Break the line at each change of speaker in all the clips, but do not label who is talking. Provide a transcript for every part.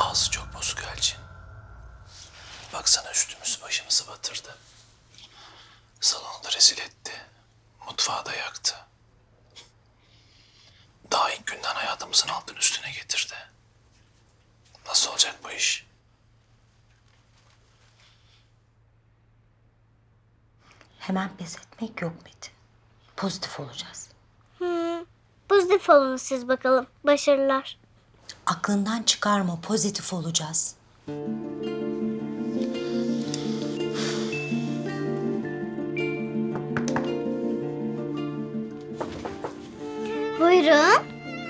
Ağzı çok bozuk Elçin. Baksana üstümüzü başımızı batırdı. Salonu da rezil etti. Mutfağı da yaktı. Daha ilk günden hayatımızın altın üstüne getirdi. Nasıl olacak bu iş?
Hemen pes etmek yok Metin. Pozitif olacağız.
Pozitif olun siz bakalım. Başarılar.
Aklından çıkarma, pozitif olacağız.
Buyurun.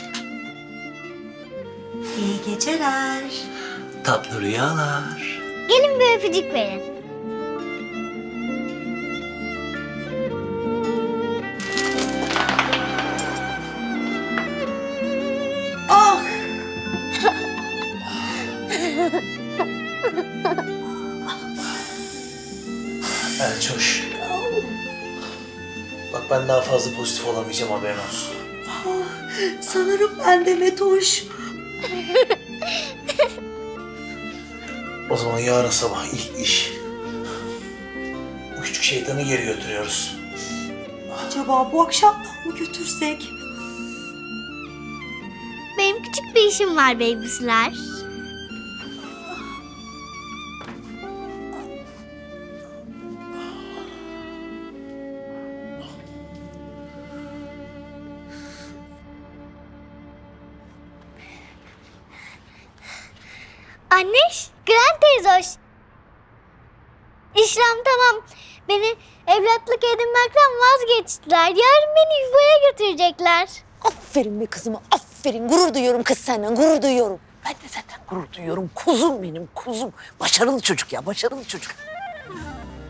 İyi geceler.
Tatlı rüyalar.
Gelin bir öpücük verin.
Ah!
Elçoş. Bak ben daha fazla pozitif olamayacağım, haberin olsun.
Sanırım ben de Metoş.
O zaman yarın sabah ilk iş. Bu küçük şeytanı geri götürüyoruz.
Acaba bu akşamdan mı götürsek?
Benim küçük bir işim var babysiler. Anneş, Grand teyze hoş. İşlem tamam. Beni evlatlık edinmekten vazgeçtiler. Yarın beni yuvaya götürecekler.
Aferin be kızıma, aferin. Gurur duyuyorum kız senden, gurur duyuyorum. Ben de senden gurur duyuyorum. Kuzum benim, kuzum. Başarılı çocuk ya, başarılı çocuk.